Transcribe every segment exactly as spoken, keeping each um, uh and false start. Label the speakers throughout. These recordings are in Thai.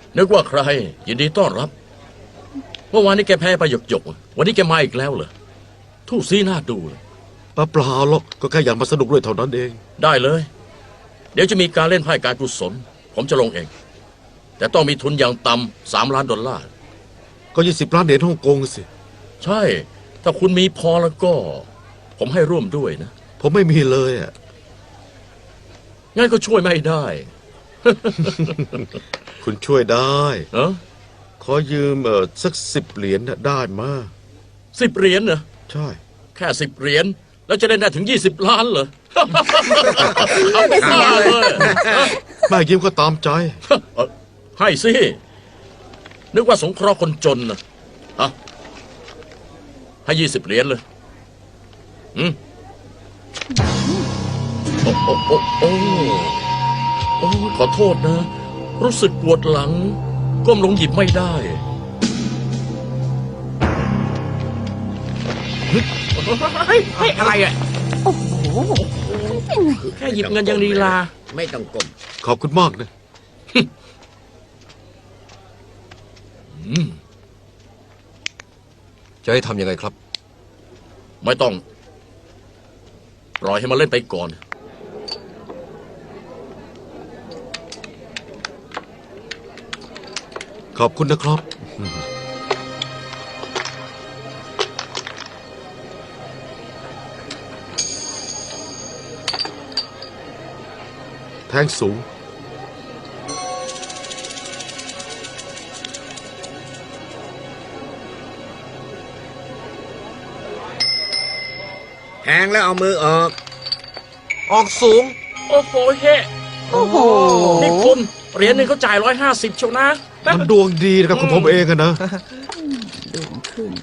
Speaker 1: นึกว่าใครยินดีต้อนรับเมื่อวานนี้แกแพ้ไปหยกหยกวันนี้แกมาอีกแล้วเหรอทู่ซีหน้าดูเลย
Speaker 2: เปล่าหรอกก็แค่อยากมาสนุกด้วยเท่านั้นเอง
Speaker 1: ได้เลยเดี๋ยวจะมีการเล่นไพ่การกุศลผมจะลงเองแต่ต้องมีทุนอย่างต่ำสามล้านดอลลาร์
Speaker 2: ก็ยี่สิบล้านเหรียญฮ่องกงสิ
Speaker 1: ใช่ถ้าคุณมีพอแล้วก็ ผมให้ร่วมด้วยนะ
Speaker 2: ผมไม่มีเลยอ่ะ
Speaker 1: งั้นก็ช่วยไม่ได้
Speaker 2: คุณช่วยได้
Speaker 1: เออ
Speaker 2: ขอยืมเออสักสิบเหรียญได้มา
Speaker 1: สิบเหรียญเหรอ
Speaker 2: ใช่
Speaker 1: แค่สิบเหรียญแล้วจะได้ได้ถึงยี่สิบล้านเหรอ เอาไปฆ่าเลย
Speaker 2: แม่ยืมก็ตามใจ
Speaker 1: ให้สินึกว่าสงเคราะห์คนจนนะฮะให้ยี่สิบเหรียญเลยอืมโอ้โอ้โอ้โอ้โอ้ขอโทษนะรู้สึกปวดหลังก้มลงหยิบไม่ได้
Speaker 3: เฮ้ยเฮ้ยอะไรอ่ะ
Speaker 4: โอ้โห
Speaker 3: แค่หยิบเงินยังลีลา
Speaker 5: ไม่ต้องก้ม
Speaker 2: ขอบคุณมากนะ
Speaker 6: จะให้ทำยังไงครับ
Speaker 1: ไม่ต้องปล่อยให้มันเล่นไปก่อน
Speaker 2: ขอบคุณนะครับแทงสูง
Speaker 5: แทงแล้วเอามือออก
Speaker 3: ออกสูงโอ้โหเฮ้
Speaker 4: โอ้โห
Speaker 3: นี่คุณเหรียญหนึ่งเขาจ่ายร้อยห้าสิบเชียวนะ
Speaker 2: มันดวงดีนะครับของผมเองอะนะ
Speaker 4: ดวงขึ้น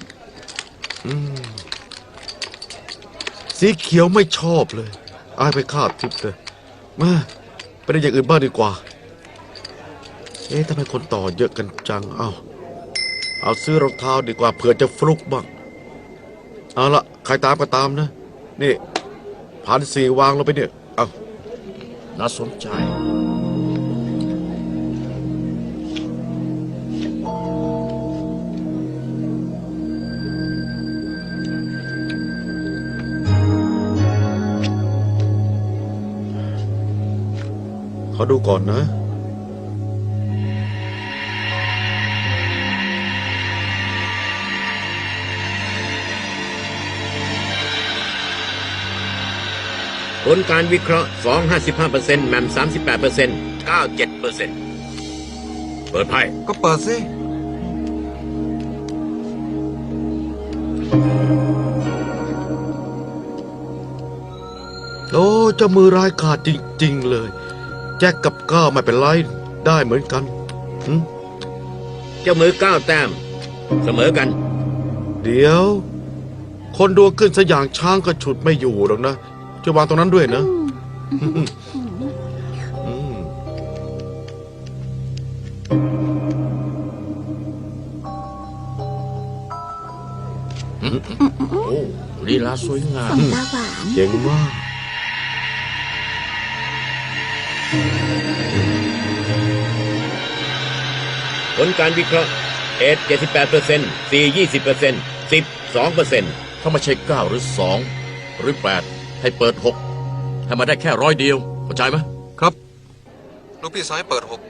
Speaker 2: สีเขียวไม่ชอบเลยอายไปคาดทิพย์เลยมาไปได้อย่างอื่นบ้างดีกว่าเอ๊ะทำไมคนต่อเยอะกันจังเอาเอาซื้อรองเท้าดีกว่าเผื่อจะฟลุกบ้างเอาละใครตามก็ตามนะนี่พันสี่วางลงไปเนี่ยเอา
Speaker 1: น่าสนใจ
Speaker 2: ขอดูก่อนนะ
Speaker 5: ผลการวิเคราะห์สอง ห้าสิบห้าเปอร์เซ็นต์แหม่ม สามสิบแปดเปอร์เซ็นต์ เก้า เจ็ดเปอร์เซ็นต์ เปิดไพ่
Speaker 6: ก็เปิดสิ
Speaker 2: โอ้เจ้ามือร้ายขาดจริงๆเลยแจ็คกับก้าวไม่เป็นไรได้เหมือนกัน
Speaker 5: เจ้ามือเก้าแต้มเสมอกัน
Speaker 2: เดี๋ยวคนดวงขึ้นซะอย่างช้างก็ฉุดไม่อยู่หรอกนะจะวางตรงนั้นด้วยนะ
Speaker 1: โอ้ลีลาสวยงาม
Speaker 4: ตาหวาน
Speaker 2: เจ๋งมาก
Speaker 5: ผลการวิเคราะห์เอสเจ็ดสิบแปดเปอร์เซ็นต์ซียี่สิบเปอร์เซ็นต์สิบสองเปอร์เซ็นต์
Speaker 1: ถ้าไม่ใช่เก้าหรือสองหรือแปดให้เปิดหกให้มาได้แค่ร้อยเดียวเข้าใจไหม
Speaker 6: ครับลูกพี่สายเปิดหก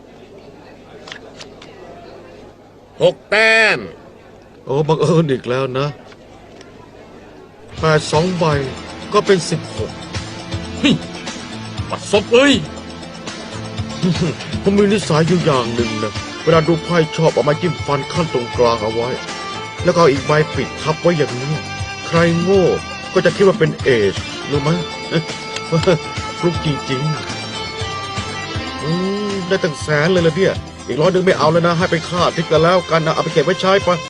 Speaker 5: หกแต้ม
Speaker 2: โอ้บังเอิญอีกแล้วนะแปดสองใบก็เป็นสิบหก
Speaker 1: ปัดซบเลย
Speaker 2: ผมมีนิสัยอยู่อย่างหนึ่งนะเวลาดูไพ่ชอบเอามาจิ้มฟันขั้นตรงกลางเอาไว้แล้วก็อีกใบปิดทับไว้อย่างนี้ใครโง่ก็จะคิดว่าเป็นเอชรู้ไหมฟลุกจริงๆอืมได้ตั้งแสนเลยละเนี่ยอีกร้อยหนึ่งไม่เอาแล้วนะให้ไปฆ่าทิกกันแล้วกันนะเอาไปเก็บไว้ใช้ปะ